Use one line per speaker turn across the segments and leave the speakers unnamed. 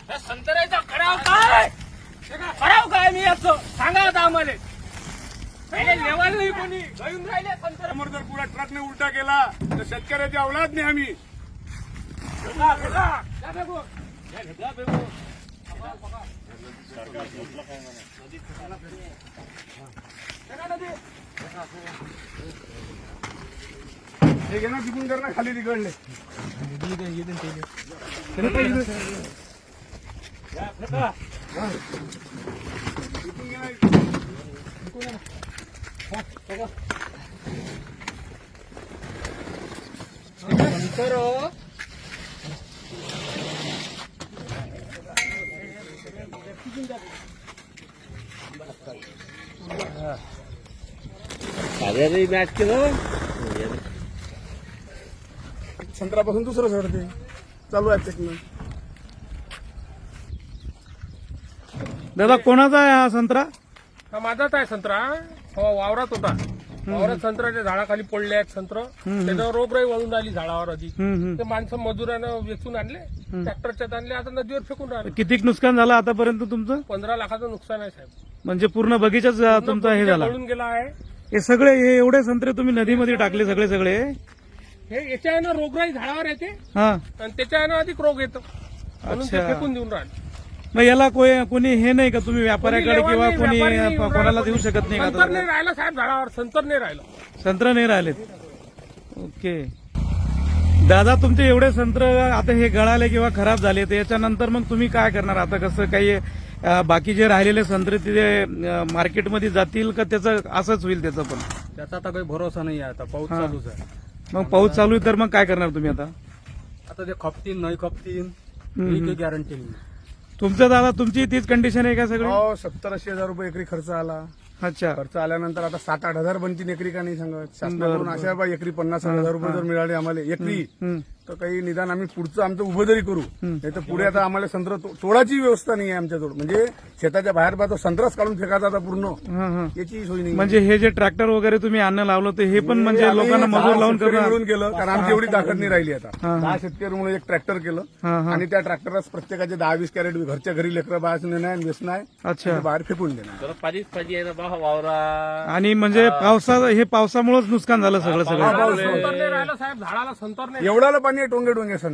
संत्र्याचा खराव काय मी याचं सांगा आता आम्हाला लेवाल नाही कोणी घेऊन राहिले संत्रा.
समोर जर पुरा ट्रकने उलटा केला तर शेतकऱ्याची औलाद नाही आम्ही. हे घे ना तिकून कर ना खाली तिकडले
मॅच केलं
संत्रापासून दुसरं सोडते चालू आहे टेक्निक.
दादा कोणाचा आहे हा संत्रा?
हा माझाच आहे संत्रा. हो वावरात होता. वावरात संत्र्याच्या झाडाखाली पडले आहेत संत्र. त्याच्यावर रोगराई वळून आली झाडावर अधिक. ते माणसं मजुरानं वेचून आणले, ट्रॅक्टरच्यात आणले, आता नदीवर फेकून राहिले.
किती नुकसान झालं आतापर्यंत तुमचं?
15 लाखाचं नुकसान आहे साहेब.
म्हणजे पूर्ण बगीचाच तुमचा हे झाला.
पळून गेला आहे.
हे सगळे हे एवढे संत्रे तुम्ही नदीमध्ये टाकले सगळे
हे याच्यानं रोगराई झाडावर येते
हा.
आणि त्याच्यानं अधिक रोग येतो म्हणून ते
अच्छा.
फेकून देऊन राहिले.
मग याला कोणी हे नाही का तुम्ही व्यापाऱ्याकडे किंवा कोणी कोणाला देऊ शकत नाही
संतर
का?
नाही राहिलं साहेब झाडावर. संतर नाही राहिलं.
संत्र नाही राहिलेत. ओके दादा तुमचे एवढे संत्र आता हे गळाले किंवा खराब झाले तर याच्यानंतर मग तुम्ही काय करणार? आता कसं काही बाकी जे राहिलेले संत्रे तिथे मार्केटमध्ये जातील का त्याचं असंच होईल? त्याचं पण
त्याचा आता काही भरोसा नाही आहे. आता पाऊस
हा.
चालूच आहे.
मग पाऊस चालू आहे तर मग काय करणार तुम्ही आता?
आता ते खपतील नाही खपतील ही काही गॅरंटी नाही.
तुमचं दादा तुमची तीच कंडिशन आहे का सगळी?
हो 70-80 हजार रुपये एकरी खर्च आला.
अच्छा
खर्च आल्यानंतर आता 7-8 हजार बनतील एकरी का नाही सांगत. शासनाकडून अशा बा एकरी 50,000 रुपये जर मिळाले आम्हाला एकरी तर काही निदान आम्ही पुढचं आमचं उभं जरी करू. नाही तर पुढे आता आम्हाला संत्र तोडाची व्यवस्था नाही आहे आमच्याजवळ. म्हणजे शेताच्या बाहेर पाहतो संत्राच काढून फेकायचा आता पूर्ण. याची सोय नाही.
म्हणजे हे जे ट्रॅक्टर वगैरे तुम्ही आणणं लावलं तर हे पण म्हणजे
आम्ही
लोकांना
10
मजूर लावून
शेतकरी
करणार?
मिळून केलं कारण आमची एवढी ताकद नाही राहिली आता. 10 शेतकरी म्हणून एक ट्रॅक्टर केलं आणि त्या ट्रॅक्टरच प्रत्येकाचे 10-20 कॅरेट घरच्या घरी लेकरं बाहेर नेणार आणि वेचणार आहे.
अच्छा
बाहेर फेकून देणार.
पाणीच पाहिजे आहे ना बा वावरा.
आणि म्हणजे पावसामुळेच नुकसान झालं सगळं
संतर नाही राहिलं साहेब झाडाला. संतर नाही.
एवढाला पाणी आहे टोंगे संत्रा.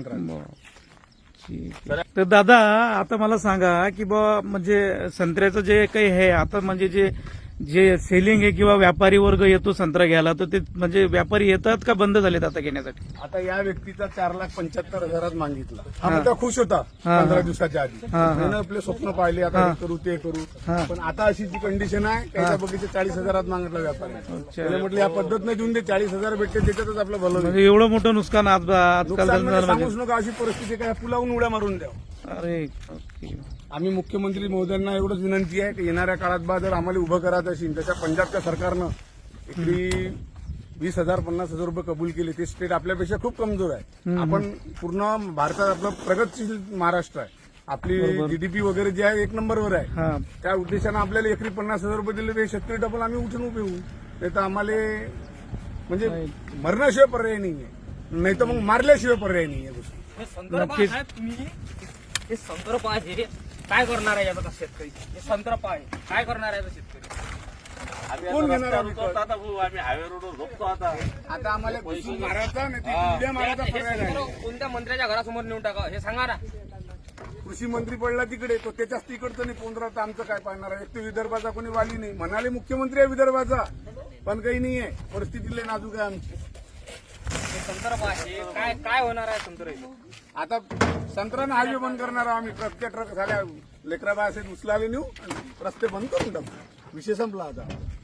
तर दादा आता मला सांगा की बा म्हणजे संत्र्याचं जे काही आहे आता म्हणजे जे सेलिंग आहे किंवा व्यापारी वर्ग येतो संत्रा घ्यायला तर ते म्हणजे व्यापारी येतात का बंद झालेत आता घेण्यासाठी?
आता या व्यक्तीचा 4,75,000 मागितला. हा मुद्दा खुश होता 15 दिवसाच्या आधी. त्यानं आपले स्वप्न पाहिले आता हे करू ते करू. पण आता अशी जी कंडिशन आहे त्याच्या बघितलं 40,000 मागितला व्यापारी. त्याला म्हटलं या पद्धत नाही देऊन दे 40,000 भेटते त्याच्यातच आपलं भलं होईल.
म्हणजे एवढं मोठं नुकसान आजकाल
नुकसान म्हणजे
झालं म्हणजे.
सांगूच नका अशी परिस्थिती काय पुलावून उड्या मारून द्या.
अरे ओके.
आम्ही मुख्यमंत्री महोदयांना एवढंच विनंती आहे की येणाऱ्या काळात बा जर आम्हाला उभं करायचं असेल त्याच्या पंजाबच्या सरकारनं एकरी 20,000 50,000 रुपये कबूल केले. ते स्टेट आपल्यापेक्षा खूप कमजोर आहे. आपण पूर्ण भारतात आपलं प्रगतशील महाराष्ट्र आहे. आपली जीडीपी वगैरे जे आहे 1 नंबरवर आहे. त्या उद्देशानं आपल्याला एकरी 50,000 रुपये दिले ते शेतकरी डबल आम्ही उठून उभे होऊ. नाही तर आम्हाला म्हणजे मरण्याशिवाय पर्याय नाहीये. नाही तर मग मारल्याशिवाय पर्याय नाहीये.
नक्कीच.
हे संत्र पाहिजे काय करणार आहे याचा शेतकरी? हे संत्र पाहिजे काय करणार आहे शेतकरी?
कोण घेणार आम्ही
हायवे रोड झोपतो आता
आम्हाला घुसून मारायचा नाही तर उड्या मारायचा पर्याय नाही.
कोणत्या मंत्र्याच्या घरासमोर नेऊन टाका हे सांगा ना.
कृषी मंत्री पडला तिकडे तो त्याच्याच तिकडचं नाही पोंद्रा तर आमचं काय पाहणार आहे? एक तर विदर्भाचा कोणी वाली नाही. म्हणाले मुख्यमंत्री आहे विदर्भाचा पण काही नाहीये. परिस्थितीले नाजूक आहे आमची.
संत्र पाहिजे काय होणार आहे संत्र?
आता संत्रानं हायवे बंद करणार आहोत आम्ही. प्रत्येक ट्रक झाल्या लेकरा बाय असे उचलाले नेऊ आणि रस्ते बंद करून टाकू. विषय संपला आता.